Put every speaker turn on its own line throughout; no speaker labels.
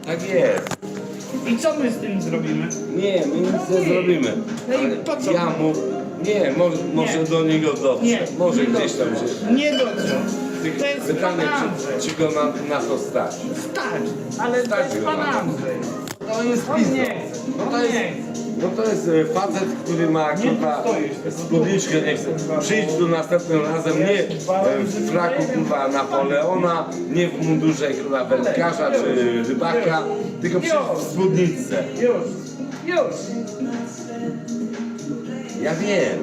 Tak jest.
I co my z tym zrobimy?
Nie, my nic nie zrobimy.
No i
Ale
po co?
ja mu... Nie, może do niego dotrze.
Nie,
Może
nie
gdzieś tam
dotrze.
się...
Nie dotrze. To jest
Pytanie,
pan Andrzej.
czy go na to stać?
Stać, ale to
Stać
jest
go
pan
na to.
Andrzej.
To jest
On
pizdo.
nie chce.
No
On
to jest...
nie chce.
No to jest facet, który ma
Nie
kurwa
stoisz, tylko
spódniczkę, nie chce. Przyjdź tu następnym razem, nie w fraku kurwa Napoleona, nie w mundurze kurwa wędkarza czy rybaka, tylko przyjdź w spódniczce.
Już.
Ja wiem,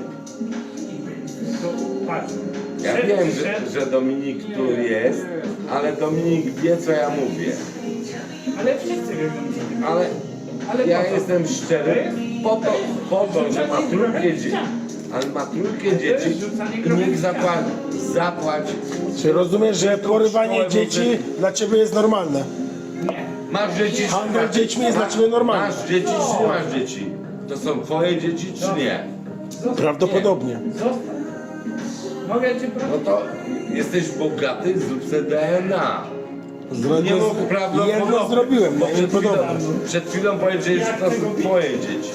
To patrz.
ja
Szedł,
wiem,
szedł.
że Dominik tu jest, ale Dominik wie co ja mówię.
Ale wszyscy wiedzą.
Ale ja
po co?
jestem szczery, po to, że ma trójkę dzieci. Ale ma trójkę dzieci i niech zapłać.
Czy rozumiesz, że porywanie dzieci dla ciebie jest normalne?
Nie.
Masz dzieci czy
Handel
masz-
dziećmi jest dla ciebie normalny.
Masz dzieci czy nie masz dzieci? To są twoje dzieci czy nie?
Prawdopodobnie.
Zostaw. Mogę cię
No
prosić?
to jesteś bogaty, zrób sobie DNA. Nie mógł
Jedno zrobiłem,
bo
no
przed chwilą,
niepodobne.
przed chwilą powiedziałeś, że to są twoje dzieci.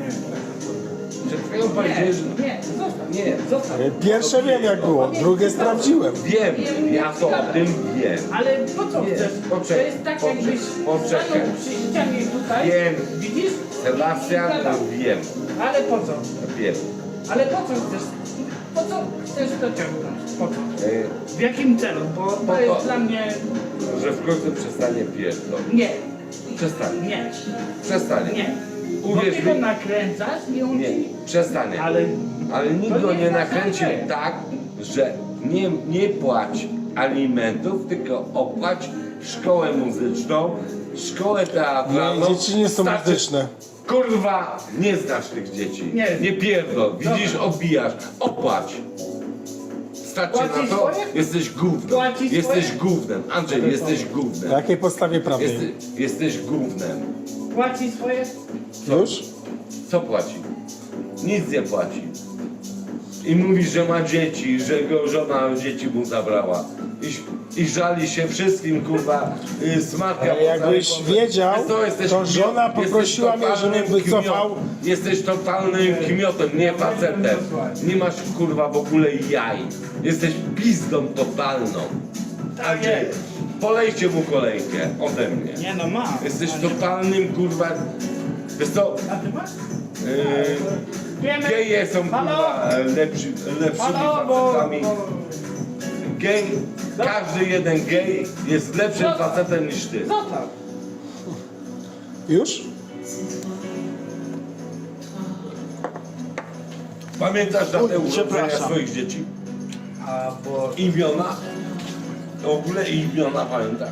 Przed chwilą powiedziałeś, że...
Nie, zostaw.
Nie,
Zostaw.
Pierwsze wiem jak było, drugie sprawdziłem.
wiem, ja to o tym wiem.
Ale po co
Nie,
chcesz?
poczekaj,
To jest tak jakbyś
poczekaj.
stanął przy ścianie tutaj.
Wiem.
Widzisz?
Sebastian,
I gadał.
wiem,
Ale po co?
wiem.
Ale po co chcesz? Po co chcesz to ciągnąć? Po co?
E,
W jakim celu? Bo
Po
to jest
to.
dla mnie...
Że w końcu przestanie pierdolić.
Nie,
Przestanie.
nie,
Przestanie.
nie.
Uwierz
Bo ty go
mi.
nakręcasz i on
Nie,
ci...
przestanie. Ale nikt
to
go
nie
nie
jest
nakręcił
nakręcenie.
tak, że nie płać alimentów, tylko opłać szkołę muzyczną, szkołę teatralną.
Nie, dzieci nie są
Starczy-
muzyczne.
Kurwa, nie znasz tych dzieci.
Nie.
Pierdol. Widzisz, odbijasz. Opłać. Starczy na
Płacisz
to?
swoje?
Jesteś gównem.
Płacisz
Jesteś
swoje?
gównem. Andrzej, jesteś gównem.
Na jakiej podstawie prawnej?
Jesteś gównem.
Płaci swoje?
Już?
Co płaci? Nic nie płaci. I mówi, że ma dzieci, że go żona dzieci mu zabrała. I żali się wszystkim, kurwa, smatka.
Ale jakbyś wiedział, to żona poprosiła mnie, żebym wycofał.
Jesteś totalnym kmiotem, nie facetem. Nie masz, kurwa, w ogóle jaj. Jesteś pizdą totalną.
Tak jest.
Polejcie mu kolejkę ode mnie.
Nie no, ma.
Jesteś totalnym, kurwa, wiesz co,
A ty masz? Wiemy.
geje są,
Halo?
kurwa, lepszymi
Halo, bo...
facetami. Gej, każdy jeden gej jest lepszym facetem niż ty.
Zostaw.
Już?
Pamiętasz datę urodzenia
przepraszam.
swoich dzieci?
A bo...
Imiona? W ogóle imiona pamiętasz?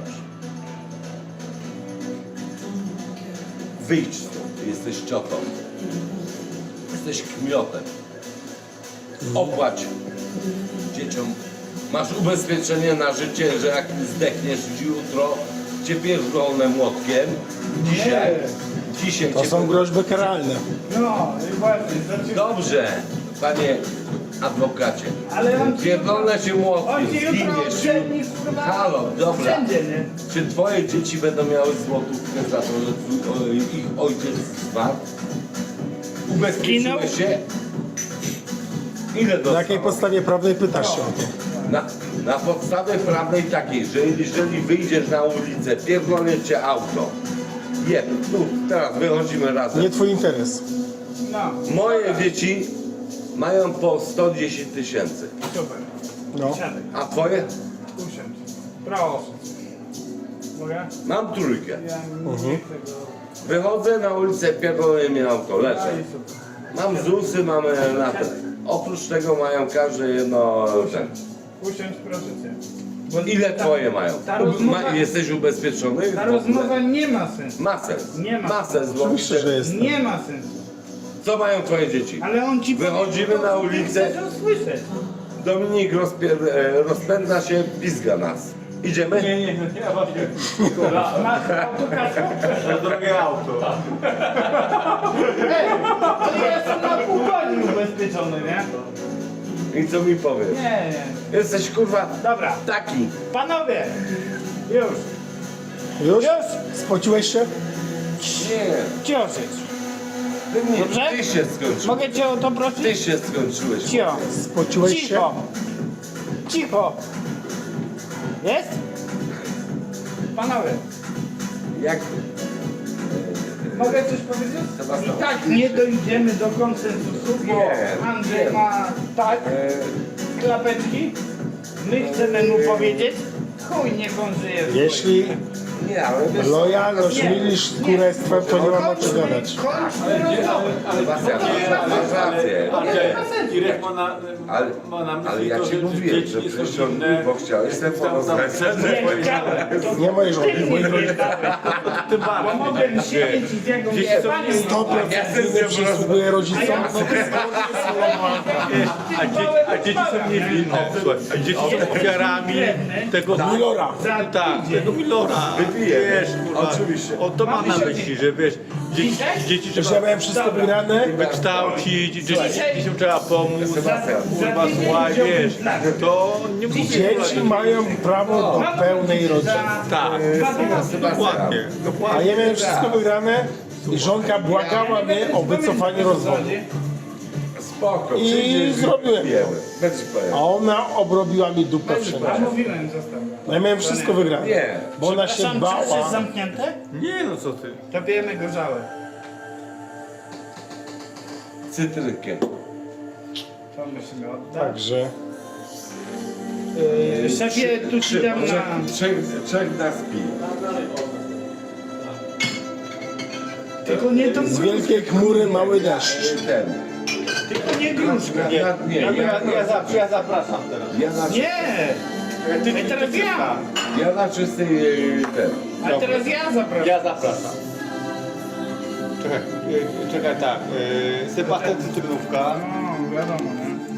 Wyjdź stąd, ty jesteś ciotą. Jesteś kmiotem. Opłać dzieciom. Masz ubezpieczenie na życie, że jak zdechniesz jutro, cię pierdolne młotkiem. Dzisiaj
To
cię
są groźby karalne.
No, i właśnie. Znaczy...
Dobrze, panie adwokacie.
Ale on ci...
Pierdolne się młotkiem,
On ci jutro
zginiesz.
odszedni, kurwa...
Halo, dobra.
Wszędzie, nie?
Czy twoje dzieci będą miały złotówkę za to, że ich ojciec zmarł? Ubezpieczyłeś się? Ile
Na
dostał?
jakiej podstawie prawnej pytasz się o to?
Na podstawie prawnej takiej, że jeżeli wyjdziesz na ulicę, pierdolnie cię auto. Jeb, tu, teraz wychodzimy razem.
Nie twój interes.
No.
Moje dzieci mają po 110 tysięcy.
Super.
No.
Siadaj.
A twoje?
Usiądź. Proszę. Mogę?
Mam trójkę.
Ja nie chcę go...
Wychodzę na ulicę, pierdolnie mnie auto, leżę.
Daj super.
Mam ZUSy, mamy na to. Oprócz tego mają każde jedno... Ten.
Usiądź, proszę cię. Bo
Ile twoje mają?
ta rozmowa-
Jesteś ubezpieczony?
Ta rozmowa nie ma sensu.
Ma sens.
Nie ma.
Ma sens, bo
Oczywiście, że jest.
Nie ma sensu.
co mają twoje dzieci?
Ale on ci
Wychodzimy
powie,
na
co
ulicę.
chcesz usłyszeć.
Dominik rozpędza się, pizga nas. Idziemy?
Nie, ja właśnie.
Masz autokasę?
Drogie auto.
Ej, ale ja jestem na pół godziny ubezpieczony, nie?
I co mi powiesz?
Nie.
Jesteś kurwa
Dobra,
taki.
panowie, już.
Już? Spociłeś się?
Nie,
Cioszyć.
ty nie,
Dobrze?
ty się skończyłeś.
Mogę cię o to prosić?
Ty się skończyłeś.
Cicho.
Spociłeś się?
Cicho. Cicho. Jest? Panowie,
Jak...
mogę coś powiedzieć?
Sebastian.
I tak nie dojdziemy do konsensusu, bo
Nie,
Andrzej
nie.
ma tak
E,
klapeczki. My chcemy mu powiedzieć, chuj, niech on żyje. w
Jeśli
nie, ale wiesz...
lojalność
Nie,
mylisz z kurestwem, to nie mam o czym gadać.
Kończmy rozmowę.
Sebastian, masz rację.
Ale Irek ma na
Ale
myśli
ja
to,
ci
że
mówiłem,
dzieci
że
nie są
przecież on
inne.
bo chciałeś sobie porozmawiać.
Nie chciałem. To
Nie mojej żony,
ty
mojej
mnie
rodziny.
nie dałeś.
Tym
Bo
bardziej.
mogłem siedzieć i z jego
Dzieci są
panią.
100% winy przysługuje rodzicom.
A dzieci są niewinne. Słuchaj, a dzieci są ofiarami tego
Milora.
Tak, tego Milora.
Wypiję.
Wiesz, kurwa.
Oczywiście.
O to mam na myśli, że wiesz, dzieci
Że ja
trzeba
miałem wszystko wygrane,
wykształcić, dzieciom trzeba pomóc.
Sebastian,
Kurwa, słuchaj, wiesz, to nie mówię.
dzieci mają prawo do pełnej rodziny.
Tak, dokładnie.
A
Dokładnie.
ja miałem wszystko wygrane i żonka błagała mnie o wycofanie rozwodu.
spoko,
I
przyjdziesz
zrobiłem
pijemy.
to.
Będzie
A ona obrobiła mi dupę
A
wszędzie.
mówiłem, zostaw go.
Ja miałem wszystko wygrane.
Nie.
Bo ona się
Przepraszam, czy już jest
bała.
zamknięte?
Nie no co ty.
To pijemy gorzałe.
Cytrykiem.
To musimy oddać.
Także
Szefie, tu ci dam na...
Trzech nas pije.
Tylko nie to
z wielkiej chmury mały deszcz.
Ten.
Tylko nie gruszka.
Nie,
Ja zapraszam teraz.
Nie! A teraz ja!
Ja na czystej ten.
A teraz ja zapraszam.
Ja zapraszam. Czekaj tak. Sebastian Cytrynówka.
No, wiadomo, nie?